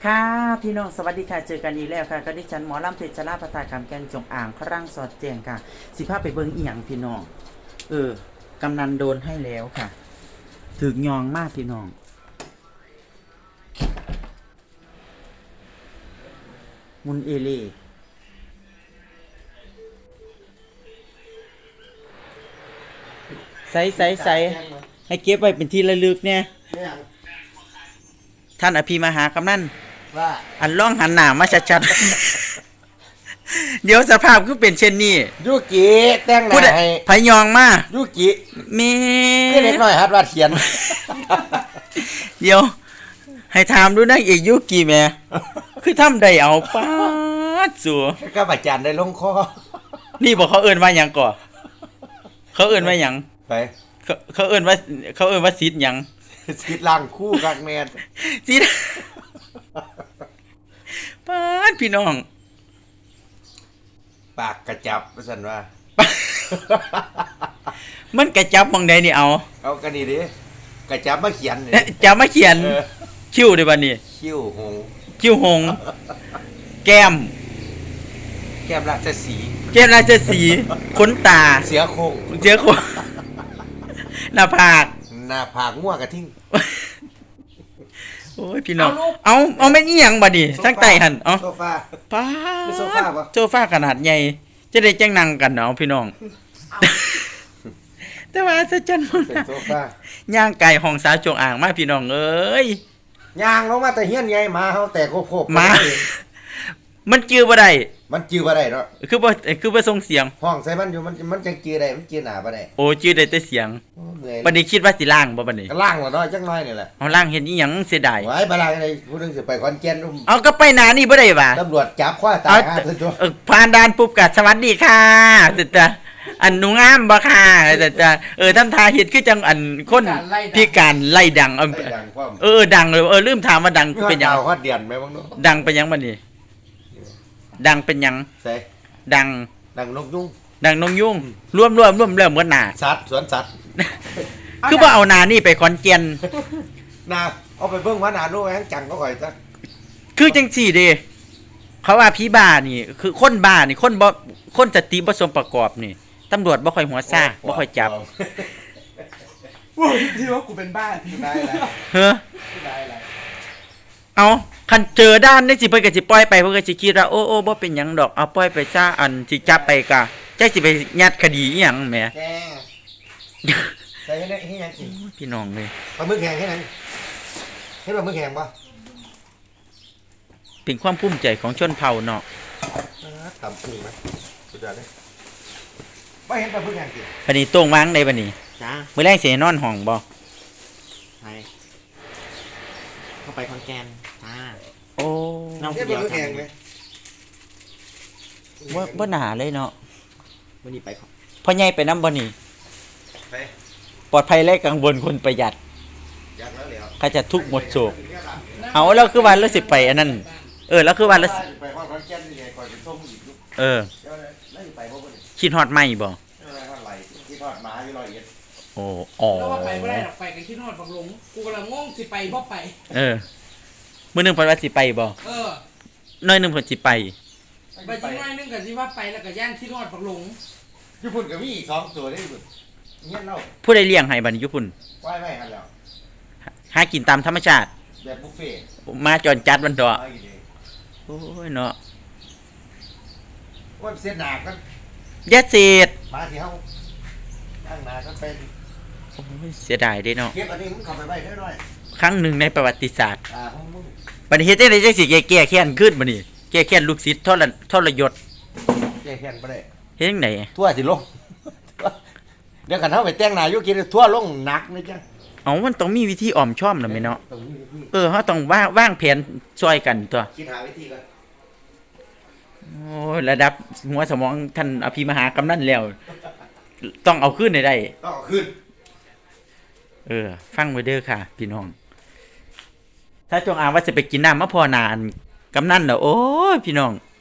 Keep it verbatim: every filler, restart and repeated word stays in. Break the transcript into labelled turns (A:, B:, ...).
A: ค่ะพี่น้องสวัสดีค่ะเจอกันอีกแล้วค่ะก็ดิฉันหมอลำเพชรลาภตากรรมแกนจงอ่างครั่งสอดแจงค่ะสิภาพไปเบิ้งอีหยังพี่น้องเออกำนันโดนให้แล้วค่ะถึกยองมากพี่น้องมุนเอเล่ใส่ใส่ใส่ให้เก็บไว้เป็นที่ระลึกเนี่ยท่านอภิมหากำนัน
B: ว่า
A: อันล่องหันหน้ามาชัดๆเดี๋ยวสภาพคือเป็นเช่นนี้
B: ยุกิแต่งหน้าให้
A: พยองมา
B: ยุกิ
A: แม่
B: คือเล็กน้อยฮัดวาดเขียน
A: เดี๋ยวให้ถามดูนางเอกยุกิแม่คือทำได้เอาป๊าดสัว
B: ก็อาจารย์ได้ลงคอ
A: นี่บอกเขาเอิ้นว่าหยังก่อเขาเอิ้นว่าหยัง
B: ไป
A: เขาเขาเอิ้นว่าเขาเอิ้นว่าซิดหยัง
B: ซิดล่างคู่กักแม่น
A: ซิดป๊าดพี่น้อง
B: ปากกระจับว่าซั่นว่า
A: มันกระจับมองใดนี่เอา
B: เอากันนี่ดิกระจับมาเขียนนี่
A: จับมาเขียนคิ้วได้บัดนี้
B: คิ้วหง
A: คิ้วหงแก้ม
B: แก้มราชสีห์
A: แก้มราชสีห์ขนตา
B: เสือโคร่ง
A: เสือโคร่งหน้าผาก
B: หน้าผากงัวกระทิ่ง
A: โอ้ยพี่น้องเอาเอาไม่นี่หยังบัดนี้ทั้งไตหั่นเอา
B: โซฟา
A: ป๊า
B: ดโซฟาบ่
A: โซฟาขนาดใหญ่จะได้จังนั่งกันเนาะพี่น้องแต่ว่าซะจันมื้อ
B: โซฟา
A: ย่างไก่ห้องสาวจงอ่างมาพี่น้องเอ้ย
B: ย่างลงมาแต่เฮียนใหญ่หมาเฮาแต่โคบ
A: ๆมามันจื้อบ่ได้
B: มันจื้อบ่ได้เนาะ
A: คือบ่คือบ่ส่งเสียง
B: ห้องใส่มันอยู่มันมันจังจื้อได้มันจื้อหน้าบ่ได้
A: โอ้จื้อได้แต่เสียงบัดนี้คิดว่าสิล้างบ่บัดนี้
B: ก็ล้างแล้วเนาะจักหน่อยนี่แหละ
A: เอาล้างเฮ็ดอีหยังเสียดาย
B: ไว้บ่ล้างได้ผู้นึงสิไปขอนแก่น
A: เอาก็ไปหน้านี่บ่ได้ว่า
B: ตำรวจจับคว้าตายหาซะตัว
A: เออผ่านด่านปุ๊บก็สวัสดีค่ะแต่อันหนูงามบ่ค่ะแต่เออทำท่าเฮ็ดคือจังอันคนพิการไล่ดังเออดังเลยเออลืมถามว่าดังเป็นหยัง
B: ฮอดเดือนแม่บ่เนาะ
A: ดังเป็นหยังบัดนี้ดังเป็นหยัง
B: ใส่
A: ดัง
B: ดังนกยุง
A: ดังนกยุงรวมๆรวมแล้วเหมือนหน้า
B: สัตว์สวนสัตว์
A: คือบ่เอาหน้านี่ไปขอนแก่น
B: น่ะเอาไปเบิ่งว่าหน้าโน้แฮงจังก็ค่อยซะ
A: คือจังซี่เด้เขาว่าผีบ้านี่คือคนบ้านี่คนบ่คนสติบ่สมประกอบนี่ตำรวจบ่ค่อยหัวซ่าบ่ค่อยจับ
B: ว่าที่ว่ากูเป็นบ้าที่ได้แล้ว
A: เฮ้อได้แล้วเอาคันเจอด้านนี่สิเพิ่นก็สิปล่อยไปเพิ่นก็สิคิดว่าโอ้ๆบ่เป็นหยังดอกเอาปล่อยไปซะอันสิจับไปกะจักสิไปยัดคดีอีหยังแหม
B: แกใส่ให้ได้ให้ยังกิน
A: พี่น้องเลย
B: ปลาหมึกแห้งให้นั้นเฮ็ดปลาหมึกแห้งบ่
A: เป็นความภูมิใจของชนเผ่าเนาะ
B: ทำกุ้งมั้ยสุดยอดเลยบ่เห็นปลาหมึกแห้งกิน
A: บัดนี้โต้งวางได้บัดนี้
B: จ้า
A: มื้อแรกสินอนห้องบ่
C: ไปเข้าไปคอนแกนจ้า
A: โอ้
B: น้องเดียวแห้งมั้ย
A: บ่บ่หนาเลยเนาะ
C: วันนี้ไปครับ
A: พ่อใหญ่ไปนำบ่นี่
B: ไป
A: ปลอดภัยและกังวลคนประหยัด
B: อยากแล้วแล้ว
A: เขาจะทุกข์หมดโศกเอาแล้วคือวันแล้วสิไปอันนั้นเออแล้วคือวันแล้ว
B: ไปฮอดคอนแก่นนี่ไงก่อนสิส่งอีก
A: เออแล้วสิไปบ่บ่คิดฮอดใหม่บ่
B: คิดฮอดหมาอยู่ร้อยเอ็ด
A: โอ้อ๋อ
D: แล้วว่าไปบ่ได้ดอกไปก็คิดฮอดบักหลงกูกำลังงงสิไปบ่ไป
A: เออมื้อนึงเพิ่นว่าสิไปบ่
D: เออ
A: น้อยนึงเพิ่นสิไป
D: ไปจิน้อยนึงก็สิว่าไปแล้วก็ย่านคิดฮอดบักหลง
B: ญี่ปุ่นก็มีอีกสองตัวได้ญี่ปุ่นเงี้ยเล่า
A: ผู้ใดเลี้ยงให้บัดนี้ญี่ปุ่น
B: ว่ายไว้หั่นแล้ว
A: หากินตามธรรมชาติ
B: แบบบุฟเฟ่
A: มาจอนจัดมันดอกโอ้ยเนาะ
B: ว่าเสียหนากัน
A: ยัดเศษ
B: มาที่เฮาตั้งหนาก็เป็น
A: โอ้ยเสียดายเด้เนาะ
B: เก็บอันนี้มึงเข้าไปไว้ได้
A: ครั้งหนึ่งในประวัติศาสตร์
B: อ่าของมึง
A: บัดนี้เฮ็ดจังได๋จังสิแก้แค้นขึ้นบัดนี้แก้แค้นลูกศิษย์ทรทรยศ
B: แก้แค้นบ่ได้
A: เฮ็ดจังได๋
B: ทั่วสิลงเดี๋ยวกันเฮาไปแต่งหน้าอยู่กินทั่วลงหนักนะจ้ะ
A: อ๋อมันต้องมีวิธีอ้อมชอมน่ะแม่เนาะเออเฮาต้องวางวางแผนช่วยกันตัว
B: คิดหาวิธีก่อน
A: โอ้ระดับหัวสมองท่านอภิมหากำนันแล้วต้องเอาคืนได้
B: ต้องเอาคืน
A: เออฟังไว้เด้อค่ะพี่น้องถ้าจงอางว่าจะไปกินน้ำมะพร้าวนานกำนันเด้อโอ้ยพี่น้อง